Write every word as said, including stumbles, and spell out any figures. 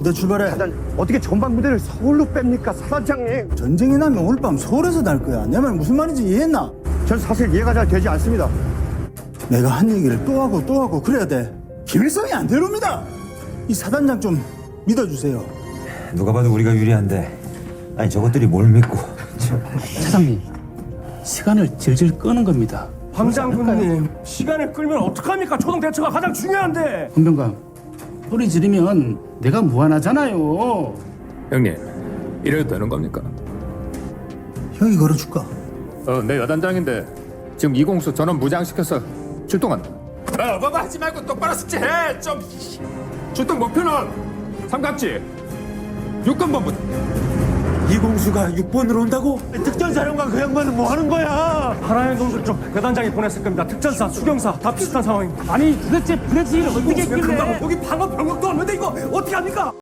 너 출발해. 사단 어떻게 전방부대를 서울로 뺍니까, 사단장님? 전쟁이 나면 오늘 밤 서울에서 날 거야. 내 말 무슨 말인지 이해했나? 전 사실 이해가 잘 되지 않습니다. 내가 한 얘기를 또 하고 또 하고 그래야 돼. 김일성이 안 되렵니다. 이 사단장 좀 믿어주세요. 누가 봐도 우리가 유리한데 아니 저것들이 뭘 믿고. 차장님, 시간을 질질 끄는 겁니다. 황 장군님, 시간을 끌면 어떡합니까? 초동 대처가 가장 중요한데. 헌병감, 소리 지르면 내가 무한하잖아요. 형님, 이래도 되는 겁니까? 형이 걸어줄까? 어, 내 여단장인데 지금 이공수 전원 무장시켜서 출동한다. 어, 뭐뭐 하지 말고 똑바로 숙제해. 좀 출동 목표는 삼각지 육 번 본부다. 이공수가 육 번으로 온다고? 특전사령관 그 양반은 뭐 하는 거야? 하나의 놈들 좀 여단장이 보냈을 겁니다. 특전사, 수경사 다 비슷한 상황입니다. 아니 도대체 브레지를 어떻게 금방 했길래? 여기 방어 병력도 없는데 이거 어떻게 합니까?